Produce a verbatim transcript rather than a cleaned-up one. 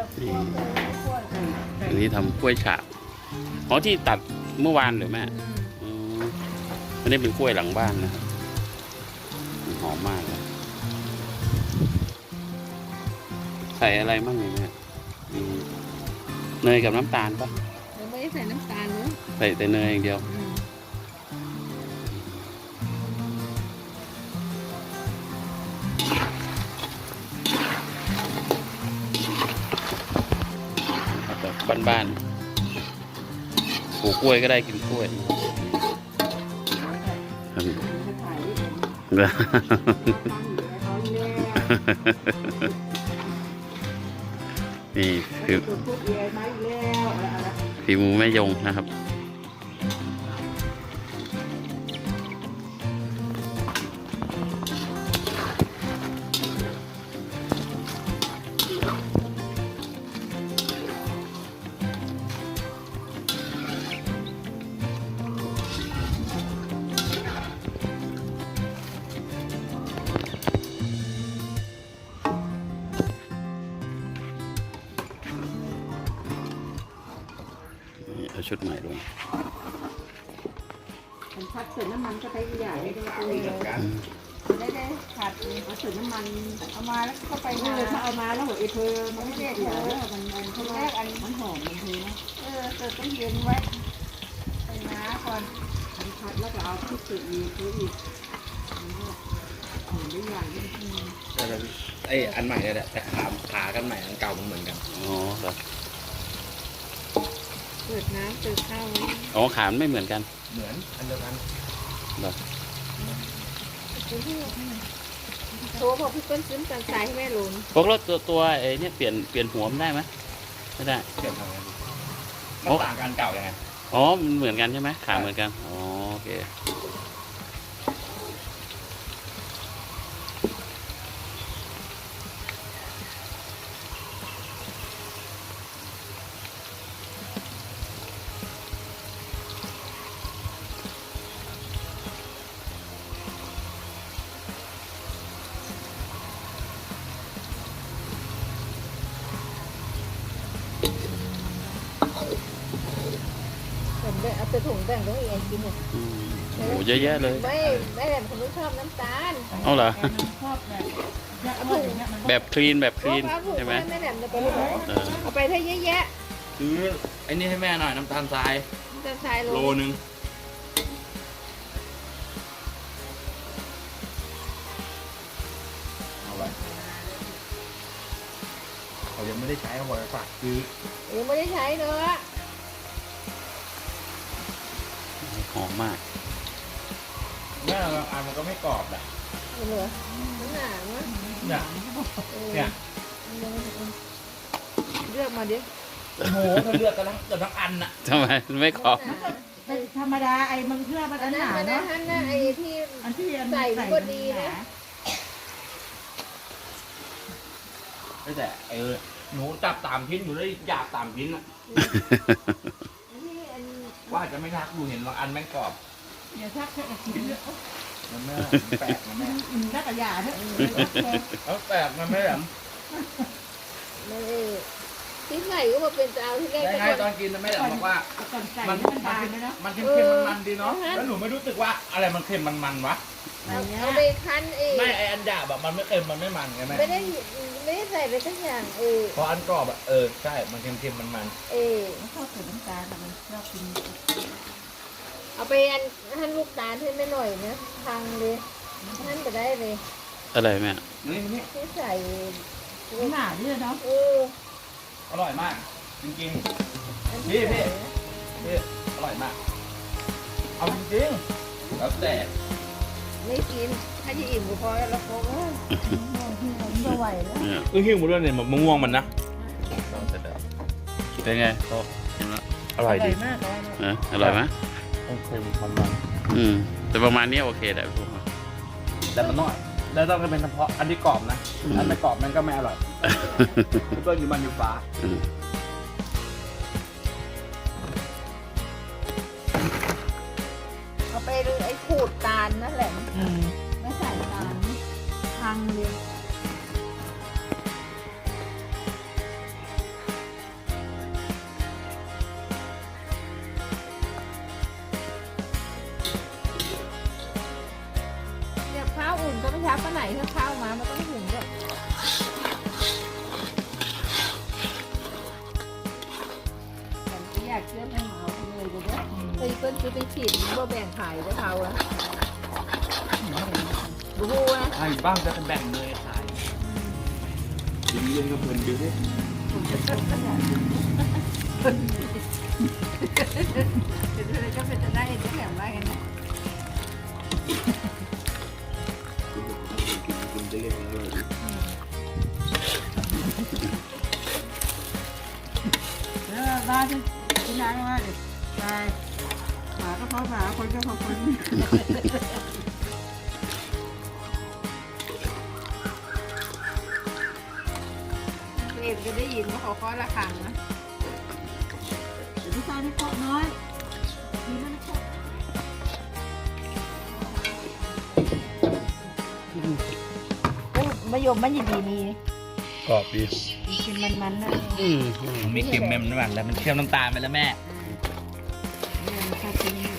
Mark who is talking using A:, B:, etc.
A: อันนี้ทำกล้วยฉาบอ๋อที่ตัดเมื่อวานหรือแม่อันนี้เป็นกล้วยหลังบ้านนะครับหอมมากเลยใส่อะไรบ้างเนี่ยเนยกับน้ำตาลปะ
B: ไม่ได้ใส่น้ำตาลเนอะ
A: ใส่แต่เนยอย่างเดียวแบบบ้านๆปลูกกล้วยก็ได้กินกล้วยนี่คือฝีมือแม่ยงนะครับเอาชุดใหม่ลง
B: ผัดเสร็จน้ำมันก็ใช้ใหญ่ได้เลยได้ได้ผัดเอาเสร็จน้ำมันเอามาแล้วก็ไปเลยถ้าเอามาแล้วหัวไอเธอมันไม่ได้เธอมันมันเขาแรกอันมันหอมมันเธอนะเออเธอต้องเย็นไว้ไปน้าก่อนผัดแล้วก็เอาที่สุดอีกคืออีกหอมได้อย่างนี้
C: ไออันใหม่เนี่ยแหละแต่ขาขากันใหม่อันเก่ามันเหมือนกัน
A: อ๋อเหรอ
B: เปิดน้ำเปิดข้าว
A: อ๋อขามไม่เหมือนกัน
C: เหมือนอันเดียวกัน
A: เหรอ
B: ตัวพอพี่เปิ้ลซื้อกันใส่ให้แม่ลุน
A: พวกรถตัวตัวไอ้นี่เปลี่ยนเปลี่ยนหัวมันได้ไหมไม่ได้
C: เปลี่ยนทำไงมันต่างกันเก่ายังไง
A: อ๋อมันเหมือนกันใช่ไหมขาเหมือนกันอ๋อโอเค
B: เอาไปถุงแบ่งต้องเองกินเนี่ย
A: โอ้โหเยอะแยะเลย
B: ไม่ไม่แบบคนที่ชอบน้ำตาล
A: เอาเหรอ
B: ชอบ
A: แบบแบบคลีนแบบคลีนใช่ไหม
B: ไม่แบบเอาไปถ้าเยอะแยะ
C: ซื้อไอ้นี่ให้แม่หน่อยน้ำตาลทราย
B: น้ำตาลทราย
C: โลนึงเอาไปเขายังไม่ได้ใช้เอาไว้ฝากซื้อ
B: ยังไม่ได้ใช้เนอะ
A: หอมมาก
C: แม่บางอันมันก็ไม่กรอบแหละ
B: เหรอมันหนาเนอะ
C: เนี่ยเนี่ย
B: เลือกมาดิ
C: โอ้โหถ้าเลือกกันแล้วเกือบทั้งอันน่ะ
A: ทำไมไม่กรอบ
D: ธรรมดาไอ้มันเพื่อมันอันหนาเนาะ
B: อันนั้นไอ้ที่ใส่ก็ดีนะ
C: แต่เออหนูจับตามชิ้นอยู่ได้อยากตามชิ้นอ่ะว่าจะไม่ทักดูเห็นบางอันแม่งกรอบ
D: อย่าทักแค่กิน
C: มันไม่แปลกมันไม่
D: นักกระยาเถอะ
C: แล้วแปลกมันไม่แบบ
B: ไม่ที่ใส่ก็มาเป็นเจ้าที่แรก
C: ได้ไงตอนกินไม่ได้บอกว่ามันมันเค็มมันมันดีเนาะแล้วหนูไม่รู้สึกว่าอะไรมันเค็มมันมันวะ
B: เอาไปคั้นเอง
C: ไม่ไออันหยาบแบบมันไม่เค็มมันไม่มันไงแม่
B: ไม่ได้ไม่ได้ใส่ไปทั้งอย่างเออ
C: พออันกรอบอ่ะเออใช่มันเค็มๆมันมัน
B: เออ
D: ชอบใส่น้ำตาลมันชอบกิน
B: เอาไปอันหั่นลูกตาลให้ไม่หน่อยนะทางเลยหั่นไปได้เลย
A: อะไรแม่
C: นี่นี่
B: ที่ใส่
D: หนาดิเนาะ
B: เออ
C: อร่อยมากจริงๆพี่พี่พี่อร่อยมากเอาจริงๆแล้วแต่
B: ไม่กินถ้าจะอิ่มก็พอแล้วก็
D: ไม่ไหวแล้ว
C: เออหิ้วหมดเลยเนี่ยมะม่วงมันนะ
A: เป็นไงโตกินแล้ว
C: อร่อยดี
D: มาก
A: นะอร่อยไหม
C: เค็มมันมัน
A: อืมแต่ประมาณนี้โอเคแต่พวก
C: แต่มันน้อยแล้วต้องเป็นเฉพาะอันที่กรอบนะอันไม่กรอบมันก็ไม่อร่อยเพื่อนอยู่มันอยู่ฟ้า
B: เอาไปเลยไอ้ขูดตาลนั่นแหละไม่ใส่ตาลพังเลยซื้อไปฉีดมันก็แบ่งขายได้เขาอะบูฮูนะ
C: ไอ้บ้างจะเป็นแบ่งเลยขาย
A: กินเล่นกับเพลินดูสิ
B: เป็นอะไรก็เป็นจะได้จะแหลมได้กันนะ
A: กินได้ยังไงเลย
B: แล้วบ้านที่ที่ร้านว่าเด็กตายหมาก็เพราะหมาคนก็เพราะคนเอ็มจะได้ยินว่าเขาเคาะระฆังนะเดี๋ยวพี่ชายไม่เคาะน้อยพี่มันเคาะมะยมมันยังดีมี
A: กรอบดี
B: กินมันๆนะ
A: อืม
C: มันไม่เค็มแม่มันหวานแล้วมันเค็มน้ำตาลไปแล้วแม่
B: เนี่ยมันชอบกิน